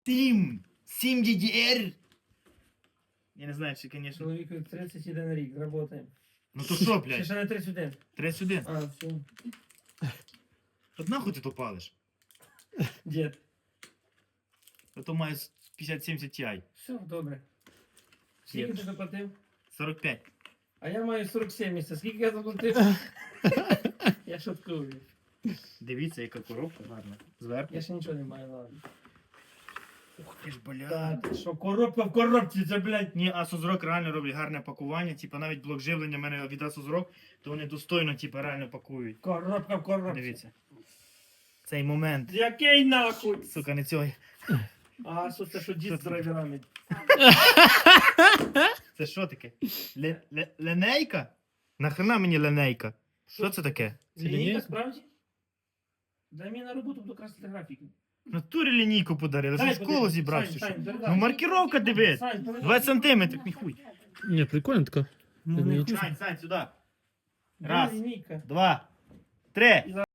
7 DDR. Я не знаю, чи, звісно. Чоловіку 31 рік, работаємо. Ну то що, Ще блядь? ще не 31. 31. А, все. От нахуй ти то палиш? Дід. А то має 50-70 Ti. Все, добре. Скільки ти заплатив? 45. А я маю 47 місяців. Скільки я заплатив? Я шуткую. Дивіться, яка коробка гарна. Зверху. Я ще нічого не маю, ладно. Ух ти ж, бля. Та, ти що, коробка в коробці, це, блядь. Ні, Asus ROG реально роблять гарне пакування. Типа навіть блок живлення в мене від Asus ROG, то вони достойно, типа, реально пакують. Коробка в коробці. Дивіться. Цей момент. Який нахуй? Сука, не цього. А, що це, що дід з драйверами? Це що таке? Линейка? Нахрена мені линейка? Що це таке? Лінійка, справді? Дай мені на роботу, буду красити графіки. В натурі лінійку подарили, що Дай, з колу подивись. зібрав. Сань, чи що? Сань, передай. Ну маркировка дивись. Сань, передай. 20 сантиметрів, ніхуй. Ні, прикольно така. Ну, Лінійка. Сань, сюди. Де Раз. лінійка? 2, 3.